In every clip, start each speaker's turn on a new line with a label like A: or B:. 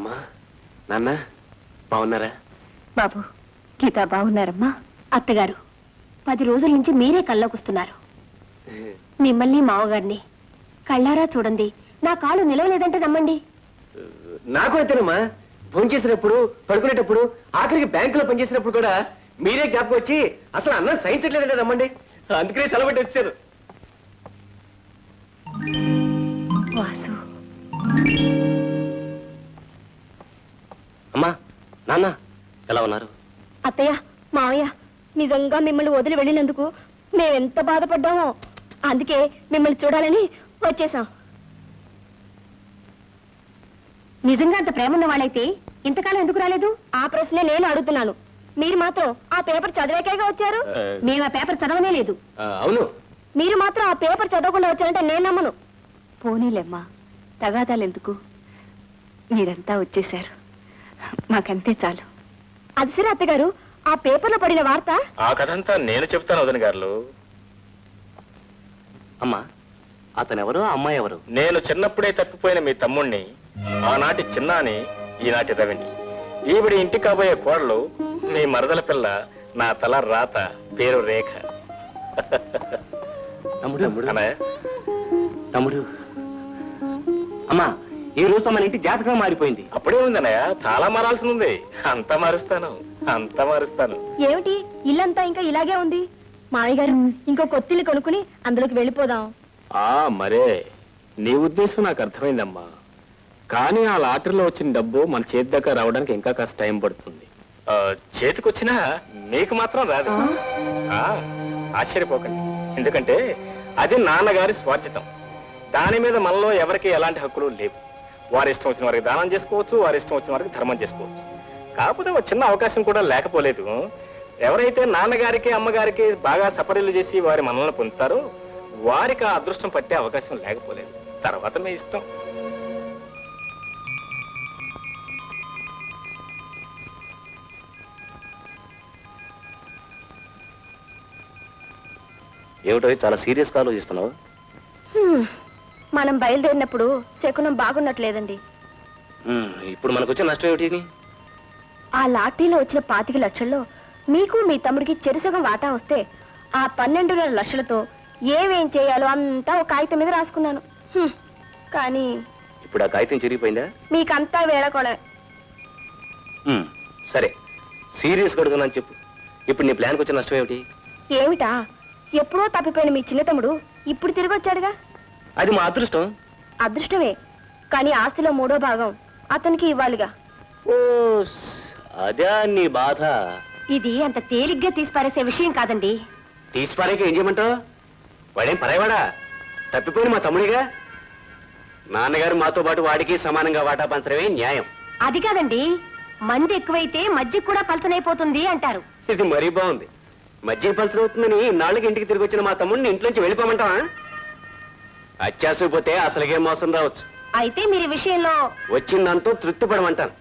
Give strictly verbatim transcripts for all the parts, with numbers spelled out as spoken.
A: అమ్మా నాన్న బాగున్నారా?
B: బాబు గీత బాగున్నారమ్మా. అత్తగారు పది రోజుల నుంచి మీరే కల్లోకొస్తున్నారు. మిమ్మల్ని మావగారిని కళ్ళారా చూడండి. నా కాళ్ళు నిలవలేదంటే నమ్మండి.
A: నాకు అయితేనమ్మా ఫోన్ చేసినప్పుడు పడుకునేటప్పుడు ఆఖరికి బ్యాంకులో పనిచేసినప్పుడు కూడా మీరే జ్ఞాపకం వచ్చి అసలు అన్నం సహించట్లేదంటే నమ్మండి. అందుకనే సెలవు వచ్చాను.
B: వాసు
A: అమ్మా నాన్న ఎలా ఉన్నారు?
B: అత్తయ్య మావయ్య నిజంగా మిమ్మల్ని వదిలి వెళ్ళినందుకు మేమెంత బాధపడ్డామో. అందుకే మిమ్మల్ని చూడాలని వచ్చేసాం. నిజంగా అంత ప్రేమ ఉన్న వాళ్ళైతే ఇంతకాలం ఎందుకు రాలేదు? ఆ ప్రశ్నే నేను అడుగుతున్నాను. మీరు మాత్రం ఆ పేపర్ చదివాకేగా వచ్చారు. మేము ఆ పేపర్ చదవనే లేదు.
A: అవును,
B: మీరు మాత్రం ఆ పేపర్ చదవకుండా వచ్చారంటే నేను నమ్మను. పోనీలేమ్మా, తగాదాలు ఎందుకు? మీరంతా వచ్చేశారు, మాకంతే చాలు. అది సరే అత్తగారు, ఆ పేపర్లో పడిన వార్త
C: ఆ కథంతా నేను చెప్తాను వదిన గారు.
A: అమ్మా అతనెవరు, అమ్మాయి ఎవరు?
C: నేను చిన్నప్పుడే తప్పిపోయిన మీ తమ్ముణ్ణి, ఆనాటి చిన్నాని, ఈనాటి రవిని. ఈవిడి ఇంటి కాబోయే కోడలు మీ మరదల పిల్ల, నా తల రాత, పేరు రేఖ.
A: తమ్ముడు
C: అన్నయ్య,
A: తమ్ముడు అమ్మా ఈ రోజు మన ఇంటి జాతకం మారిపోయింది.
C: అప్పుడే ఉందన్నయ్య, చాలా మారాల్సి ఉంది. అంతా మారుస్తాను, అంతా మారుస్తాను.
B: ఏమిటి ఇల్లంతా ఇంకా ఇలాగే ఉంది? మావయ్య గారు ఇంకో కొత్తిల్లు కొనుక్కుని అందులోకి వెళ్ళిపోదాం.
C: ఆ మరే, నీ ఉద్దేశం నాకు అర్థమైందమ్మా. కానీ ఆ లాటరీలో వచ్చిన డబ్బు మన చేతి దగ్గర రావడానికి ఇంకా కాస్త టైం పడుతుంది. చేతికొచ్చినా నీకు మాత్రం రాదు. ఆశ్చర్యపోకండి, ఎందుకంటే అది నాన్నగారి స్వార్జితం. దాని మీద మనలో ఎవరికి ఎలాంటి హక్కులు లేవు. వారి ఇష్టం వచ్చిన వారికి దానం చేసుకోవచ్చు, వారి ఇష్టం వచ్చిన వారికి ధర్మం చేసుకోవచ్చు. కాకపోతే ఒక చిన్న అవకాశం కూడా లేకపోలేదు. ఎవరైతే నాన్నగారికి అమ్మగారికి బాగా సపరీలు చేసి వారి మనల్ని పొందుతారో వారికి ఆ అదృష్టం పట్టే అవకాశం లేకపోలేదు. తర్వాత మీ ఇష్టం.
A: ఏమిటో చాలా సీరియస్ గా ఆలోచిస్తున్నావు?
B: మనం బయలుదేరినప్పుడు శకునం బాగున్నట్లేదండి.
A: ఇప్పుడు మనకు వచ్చిన నష్టం ఏమిటి?
B: ఆ లాటరీలో వచ్చిన పాతిక లక్షల్లో మీకు మీ తమ్ముడికి చెరుసగం వాటా వస్తే ఆ పన్నెండున్నర లక్షలతో ఏమేం చేయాలో అంతా ఒక కాగితం మీద రాసుకున్నాను. కానీ
A: ఇప్పుడు ఆ కాగితం చిరిగిపోయిందా?
B: మీకంతా వేళకోళమే.
A: సరే, సీరియస్ కడుగుతున్నాను చెప్పు. ఇప్పుడు నీ ప్లాన్కి వచ్చిన నష్టం ఏమిటి?
B: ఏమిటా? ఎప్పుడో తప్పిపోయిన మీ చిన్న తమ్ముడు ఇప్పుడు తిరిగి వచ్చాడుగా.
A: అది మా అదృష్టం.
B: అదృష్టమే, కానీ ఆస్తిలో మూడో భాగం అతనికి ఇవ్వాలిగా.
A: ఓ అదే నీ బాధ.
B: ఇది అంత తేలిగ్గా తీసిపారేసే విషయం కాదండి.
A: తీసిపారేక ఏం చేయమంటావు? వాడేం పరాయవాడా? తప్పిపోయిన మా తమ్ముడిగా. నాన్నగారు మాతో పాటు వాడికి సమానంగా వాటా పంచడమే న్యాయం.
B: అది కాదండి, మంది ఎక్కువైతే మధ్య కూడా పలచనైపోతుంది అంటారు.
A: ఇది మరీ బాగుంది. మధ్య పలచనవుతుందని నాలుగు ఇంటికి తిరిగి వచ్చిన మా తమ్ముడిని ఇంట్లోంచి వెళ్ళిపోమంటావా? అత్యాసపోతే అసలుగే మోసం రావచ్చు.
B: అయితే మీరు ఈ విషయంలో
A: వచ్చిందంతో తృప్తి పడమంటాను.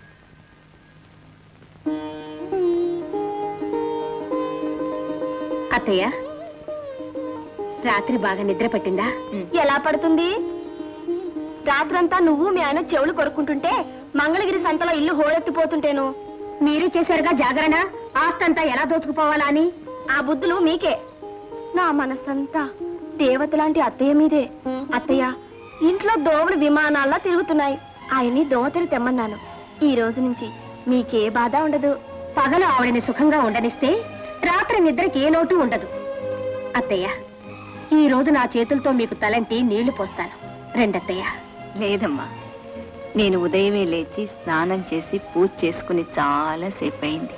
B: అత్తయ్య, రాత్రి బాగా నిద్ర పట్టిందా? ఎలా పడుతుంది? రాత్రంతా నువ్వు మీ ఆయన చెవులు కొరుక్కుంటుంటే మంగళగిరి సంతలో ఇల్లు హోరెత్తిపోతుంటేను మీరు చేశారుగా జాగరణ, ఆస్తంతా ఎలా దోచుకుపోవాలా అని. ఆ బుద్ధులు మీకే. నా మనసంతా దేవతలాంటి అత్తయ్య మీదే. అత్తయ్య, ఇంట్లో దోవలు విమానాల్లా తిరుగుతున్నాయి. ఆయన్ని దోవతలు తెమ్మన్నాను. ఈ రోజు నుంచి మీకే బాధ ఉండదు. పగలు ఆవిడని సుఖంగా ఉండనిస్తే రాత్రి నిద్రకి ఏ లోటు ఉండదు. అత్తయ్య, ఈ రోజు నా చేతులతో మీకు తలంటి నీళ్లు పోస్తాను. రెండత్తయ్య.
D: లేదమ్మా, నేను ఉదయమే లేచి స్నానం చేసి పూజ చేసుకుని చాలా సేపు అయింది.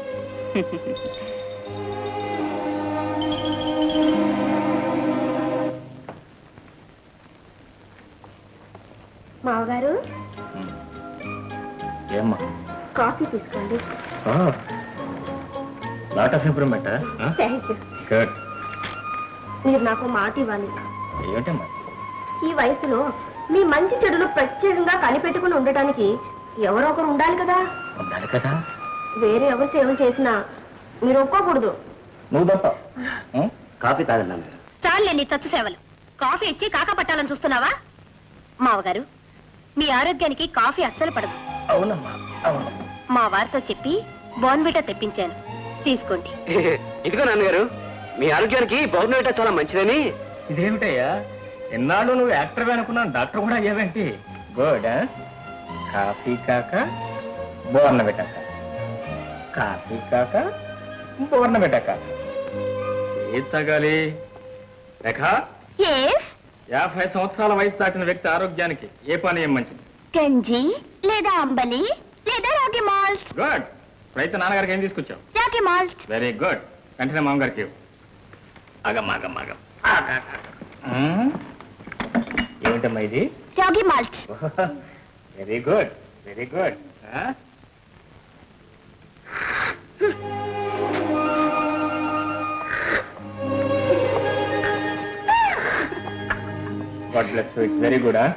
B: మావగారు,
C: ఏమ్మా?
B: కాఫీ తీసుకోండి.
C: Lot of improvement.
B: Thank you.
C: Good.
B: మీరు నాకు మాట ఇవ్వాలి.
C: ఏమిటమ్మా?
B: ఈ వయసులో మీ మంచి చెడులు ప్రత్యేకంగా కనిపెట్టుకుని ఉండటానికి ఎవరో ఒకరు ఉండాలి కదా.
C: ఉండాలి కదా.
B: వేరే ఎవరు సేవలు చేసినా మీరు ఒప్పుకోకూడదు.
C: నువ్వు తప్ప.
A: కాఫీ తాగండి.
B: చాలే నీ చచ్చు సేవలు. కాఫీ ఇచ్చి కాక పట్టాలని చూస్తున్నావా? మావగారు, మీ ఆరోగ్యానికి కాఫీ అస్సలు పడదు.
C: అవునమ్మా అవును.
B: మా వారితో చెప్పి బోన్విటా తెప్పించాను, తీసుకోండి.
A: ఇదిగో నాన్నగారు, మీ ఆరోగ్యానికి బౌర్నవిటా చాలా మంచిదని.
C: ఇదేమిటయ్యా, ఎన్నాళ్ళు నువ్వు యాక్టర్ అనుకున్నాను, డాక్టర్ కూడా అయ్యావేంటి? గుడ్. కాఫీ కాక బోర్న పెట్టాక, కాఫీ కాక బోర్న పెట్టాక ఏది తాగాలి? రేఖ,
B: ఎస్,
C: యాభై సంవత్సరాల వయసు దాటిన వ్యక్తి ఆరోగ్యానికి ఏ పానీయం మంచిది?
B: గంజి లేదా అంబలి లేదా రాగి మాల్ట్.
C: గుడ్. అయితే నాన్నగారికి ఏం తీసుకొచ్చావు?
B: రాగి మాల్ట్.
C: Very good. వెంటనే మామగారికి ఇవ్వు. ఆగం ఆగం ఆగం ఏమిటమ్మా ఇది?
B: Ragi malt.
C: Very good, very good. God bless you. It's very good.